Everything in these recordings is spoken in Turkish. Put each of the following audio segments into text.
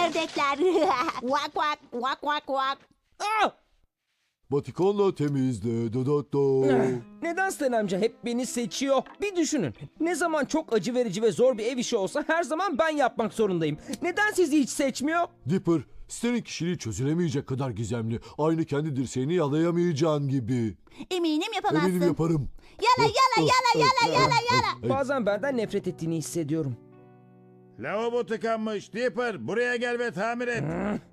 ördekler. Vak vak vak vak vak. Ah! Batikonla temizle. Da. Neden Sten amca hep beni seçiyor? Bir düşünün. Ne zaman çok acı verici ve zor bir ev işi olsa her zaman ben yapmak zorundayım. Neden sizi hiç seçmiyor? Dipper, Stan'in kişiliği çözülemeyecek kadar gizemli. Aynı kendi dirseğini yalayamayacağın gibi. Eminim yapamazsın. Eminim yaparım. Yala yala yala yala yala yala. Bazen benden nefret ettiğini hissediyorum. Lavabo tıkanmış. Dipper buraya gel ve tamir et.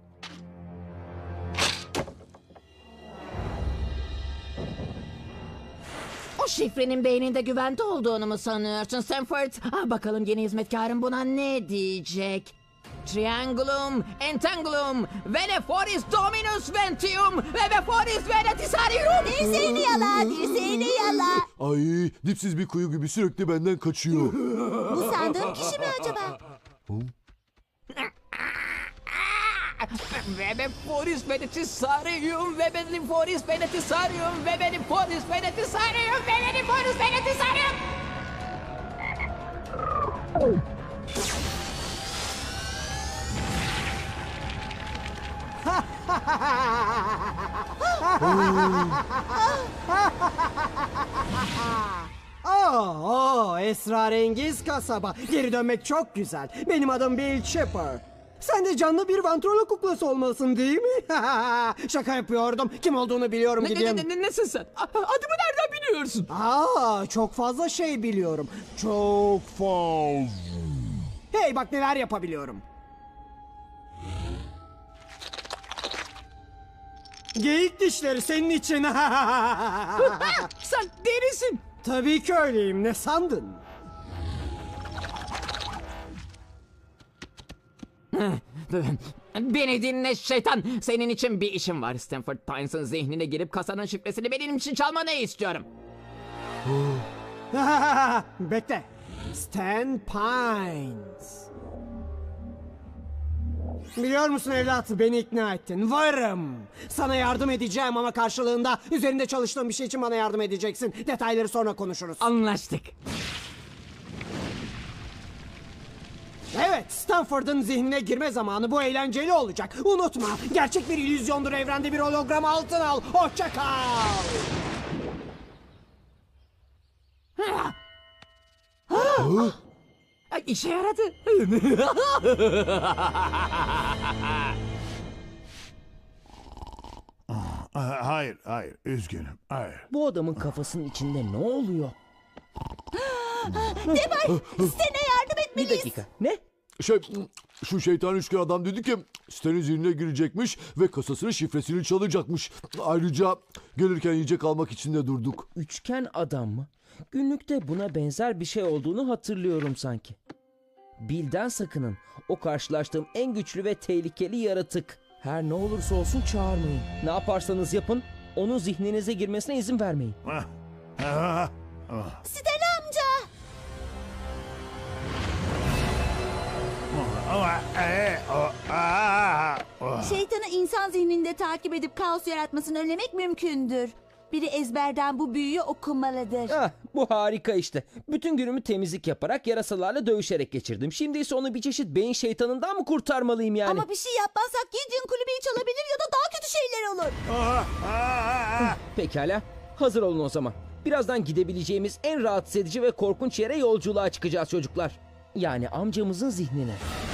O şifrenin beyninde güvende olduğunu mu sanıyorsun Stanford? Bakalım yeni hizmetkarın buna ne diyecek? Triangulum, Entangulum, Veneforis Dominus Ventium ve Veforis Venetisarium. Dirseğini yala, dirseğini yala. Ay, dipsiz bir kuyu gibi sürekli benden kaçıyor. Bu sandığım kişi mi acaba? Ve Veforis Venetisarium ve Veneforis Venetisarium ve Veneforis Venetisarium ve Veneforis Venetisarium. Esrarengiz kasaba. Geri dönmek çok güzel. Benim adım Bill Chipper. Sen de canlı bir vantrolo kuklası olmalısın değil mi? Şaka yapıyordum. Kim olduğunu biliyorum gideyim. Nesin sen? Adımı nereden biliyorsun? Çok fazla şey biliyorum. Çok fazla. Hey bak neler yapabiliyorum. Geyik dişleri senin için. Sen delisin. Tabii ki öyleyim. Ne sandın? Beni dinle şeytan. Senin için bir işim var. Stanford Pines'ın zihnine girip kasanın şifresini benim için çalmanı istiyorum. Bekle. Stan Pines. Biliyor musun evlat, beni ikna ettin. Varım. Sana yardım edeceğim ama karşılığında üzerinde çalıştığım bir şey için bana yardım edeceksin. Detayları sonra konuşuruz. Anlaştık. Evet, Stanford'un zihnine girme zamanı, bu eğlenceli olacak. Unutma, gerçek bir illüzyondur, evrende bir hologram, altın al. Hoşça kal. İşe yaradı. Hayır, üzgünüm. Hayır. Bu adamın kafasının içinde ne oluyor? Sten'e yardım Bir etmeliyiz. dakika. Ne? Şu şeytan üçgen adam dedi ki Stan'in zihnine girecekmiş ve kasasının şifresini çalacakmış. Ayrıca gelirken yiyecek almak için de durduk. Üçgen adam mı? Günlükte buna benzer bir şey olduğunu hatırlıyorum sanki. Bill'den sakının. O karşılaştığım en güçlü ve tehlikeli yaratık. Her ne olursa olsun çağırmayın. Ne yaparsanız yapın, onun zihninize girmesine izin vermeyin. Sten amca. Şeytanı insan zihninde takip edip kaos yaratmasını önlemek mümkündür. Biri ezberden bu büyüyü okumalıdır. Bu harika işte. Bütün günümü temizlik yaparak, yarasalarla dövüşerek geçirdim. Şimdi ise onu bir çeşit beyin şeytanından mı kurtarmalıyım yani? Ama bir şey yapmazsak Gideon kulübeyi çalabilir ya da daha kötü şeyler olur. Pekala, hazır olun o zaman. Birazdan gidebileceğimiz en rahatsız edici ve korkunç yere yolculuğa çıkacağız çocuklar. Yani amcamızın zihnine.